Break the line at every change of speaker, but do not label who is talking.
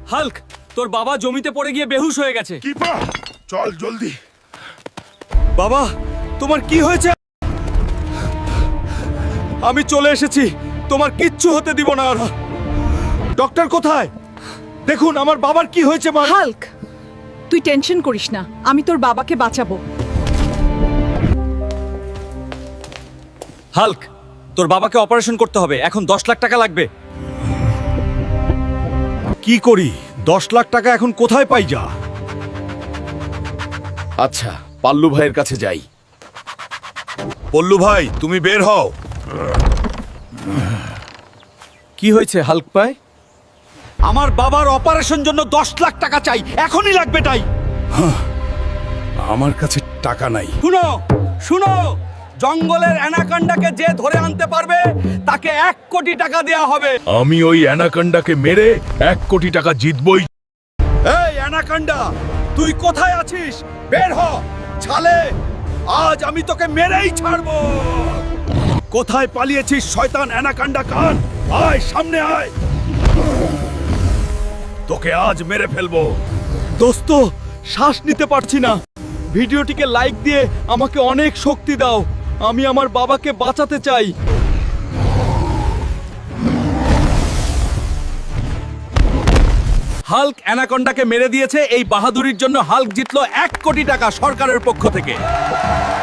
Hulk, তোর বাবা জমিতে পড়ে গিয়ে বেহুশ হয়ে গেছে।
কিপার চল জলদি।
বাবা, তোমার কি হয়েছে? আমি চলে এসেছি, তোমার কিচ্ছু হতে দিব না। আর ডক্টর কোথায়? দেখুন আমার বাবার কি হয়েছে। মা,
হাল্ক, তুই টেনশন করিস না, আমি তোর বাবাকে বাঁচাবো।
হাল্ক, তোর বাবাকে অপারেশন করতে হবে, এখন 10 লাখ টাকা লাগবে।
কি করি? 10 লাখ টাকা এখন কোথায় পাই? যা,
আচ্ছা, পাল্লু ভাইয়ের কাছে যাই।
পল্লু ভাই তুমি বের হও।
কি হয়েছে হাল্ক ভাই? আমার বাবার অপারেশন জন্য 10 লাখ টাকা চাই, এখনই লাগবে তাই।
আমার কাছে টাকা নাই।
শুনো শুনো, জঙ্গলের অ্যানাকন্ডাকে যে ধরে আনতে পারবে তাকে 1 কোটি টাকা দেয়া হবে।
আমি ওই অ্যানাকন্ডাকে মেরে 1 কোটি টাকা জিতবই।
এই অ্যানাকন্ডা, তুই কোথায় আছিস? বের হ ছালে, আজ আমি তোকে মেরেই ছাড়বো।
কোথায় পালিয়েছিস শয়তান অ্যানাকন্ডা কান? আয় সামনে আয়, তোকে আজ মেরে ফেলবো।
দোস্ত, শ্বাস নিতে পারছি না। ভিডিওটিকে লাইক দিয়ে আমাকে অনেক শক্তি দাও, আমি আমার বাবাকে বাঁচাতে চাই। হাল্ক অ্যানাকন্ডাকে মেরে দিয়েছে। এই বাহাদুরির জন্য হাল্ক জিতলো 1 কোটি টাকা সরকারের পক্ষ থেকে।